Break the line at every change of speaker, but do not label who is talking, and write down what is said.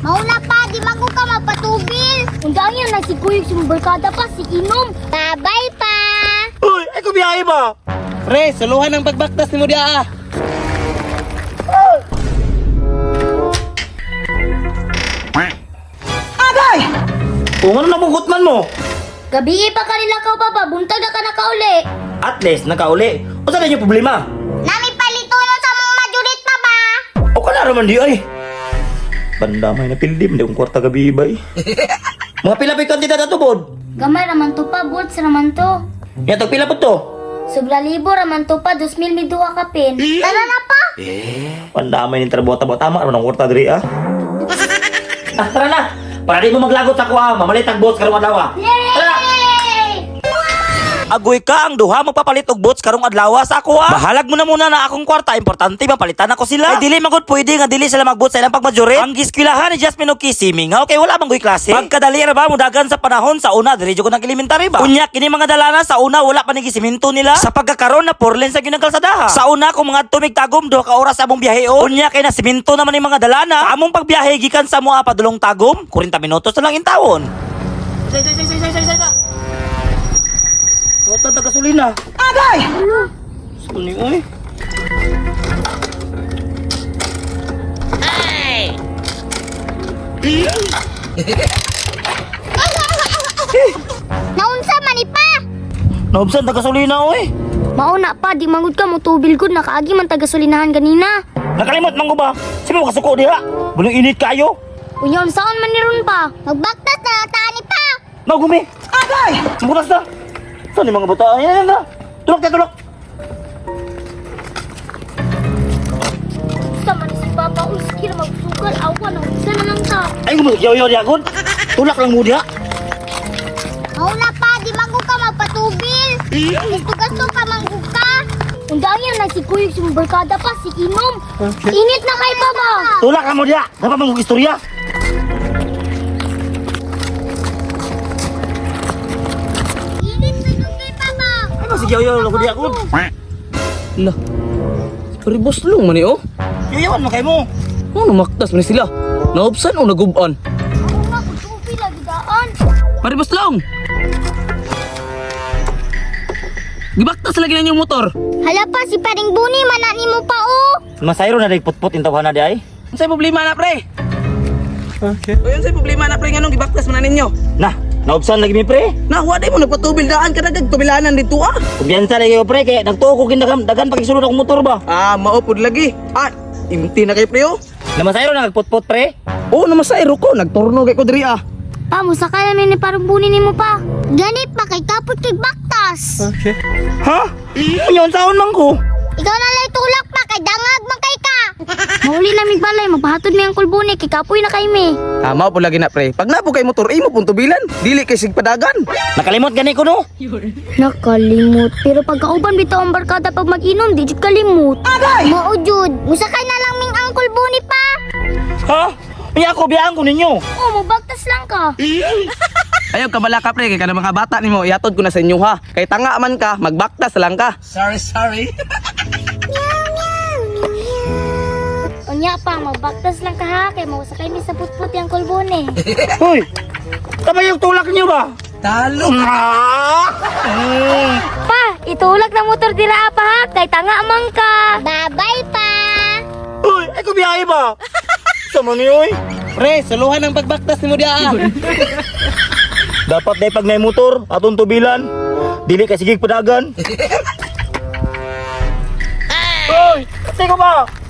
Mauna pa, di mago ka magpatubil. Undang yan, nagsiguyog si barkada pa, si Inom. Bye-bye pa.
Uy, ay ko biyahe ba?
Pre, suluhan ang pagbaktas ni mo diya.
Agay! Kung ano na pungkutman mo?
Gabi pa kanila ka ba, buntag na ka nakauli.
At least, nakauli. O saan yung problema?
Nami palito nun sa mong majurit pa ba?
O ka na raman di ay. Banda may napildim, di kong kwarta gabi ba eh. Mga pilapit kantidad na tubod.
Gamay raman to pa, buts raman to.
Yan, tagpila po to.
Sobra libo raman to pa, 2,000 may duha ka pin. Tara na pa!
Banda may nintrabuha tabo. Tama raman ang kwarta diri ah. Tara na. Para di mo maglagot sa kuha, mamalit ang boss karong adlaw. Tara! Agoy ka ang duha magpapalit og bots karong adlaw sa ako ha. Bahalag mo na muna na akong kwarta, importante mapalitan ako sila. Ay dili magud pwede nga dili sila magbot sa ilang pagmajore. Ang giskwilahan ni Jasmine og Kissy mingaw kay wala man goy klase. Pagkadali ra ba mudagan sa panahon sa una diri jud ko nang elementary ba. Unya kini mga dalana sa una wala pa ni gisiminto nila. Sa pagkakaron na 4 lanes sa ginakalsadaha. Sa una kung mga tumig tagom duha ka oras sa among biyahe o. Unya kay na siminto naman ni mga dalana. Sa among pagbiyahe gikan sa mua padulong tagom 40 minutos na lang intawon. Say. Huwag na gasolina. Agay! Suni, uy. Ay!
Naunsa manipa!
Naubsan na gasolina, uy.
Mauna pa, di mangud ka mo tubil gud nakaagi man taga-sulinahan ganina.
Nakalimot man ko ba? Sino mo kasuko diha? Bulong init kayo?
Unyon saon man niron pa? Magbaktas na tani pa.
Nagumi. Agay! Bukas na. Saan yung mga bata? Ayan na. Tulok.
Sa man si Papa uskir magsugal awan na unsa na lang ta.
Ay, gumayaw di agad. Tulak lang mo diha.
Mauna pa, di manggo ka magpatubil. Gusto pa manggo ka. Undang yan, nagsiguyog si barkada pa, si Inom. Init na kay Baba.
Tulak lang mo diha. Dapat mong istorya.
Init na yung kay Baba.
Ay, masigaw-yaw lang ko diha agad.
Lah. Paribos long man oh.
Yayawan mo kayo mo.
Ano maktas man sila? Naubsan o naguban?
Mauna ko tubil lagi daan.
Paribos long. Gibaktas lagi na yung motor.
Hala pa, si Paring Buni, manani mo pa oh.
Masayro na rin putput yung tawahan na di ay.
Unsay problema na pre? Okay. O unsay problema na pre nganong gibaktas man na ninyo?
Nah, naubsan lagi mi pre.
Na wa day mo nagpatubil daan ka dagag tubilanan dito ah.
Kumbiyansa lagi ko pre, kaya nagtuo ko dagan pagkisulod akong motor ba.
Ah, maupod lagi. Ah, imti na kay pre oh.
Namasayro na nagputput pre.
Oo, namasayro ko. Nagturno kay ko diri ah.
Pa, musakay namin ni Paring Buni ni mo pa. Ganit pa, kay kapot kay baktas.
Ha? Unyon saon man ko.
Ikaw na lang tulak pa, kay dangag man kay ka. Mahuli namin balay, magpahatod mi ang kulbuni, kay kapoy na kay mi.
Tama po lagi na pre. Pag napo kay motor, imo pong tubilan. Dili kay sigpadagan.
Nakalimot gani ko no.
Nakalimot, pero pagkauban bitaw ang barkada pag mag-inom, di jud kalimot. Mao jud, musakay na lang ming ang kulbuni pa.
Ha? Ay ako biyaan ko ninyo.
Oh, mabagtas lang ka.
Ayaw ka bala ka pre, kay kana mga bata nimo iatod ko na sa inyo ha. Kay tanga man ka, magbaktas lang ka.
Unya pa, magbaktas lang ka ha, kay musakay mi sa putput yung kulbuni.
Hoy! Tama yung tulak niyo ba?
Talo.
Pa, itulak na motor dira pa ha, kay tanga man ka. Bye-bye pa.
Hoy! Ay ko biyahe ba? Sama niyo eh.
Pre, suluhan ang pagbaktas nimo diha.
Dapat day pag may motor, atong tubilan. Dili ka sigig padagan. Hoy! Kasi ko ba?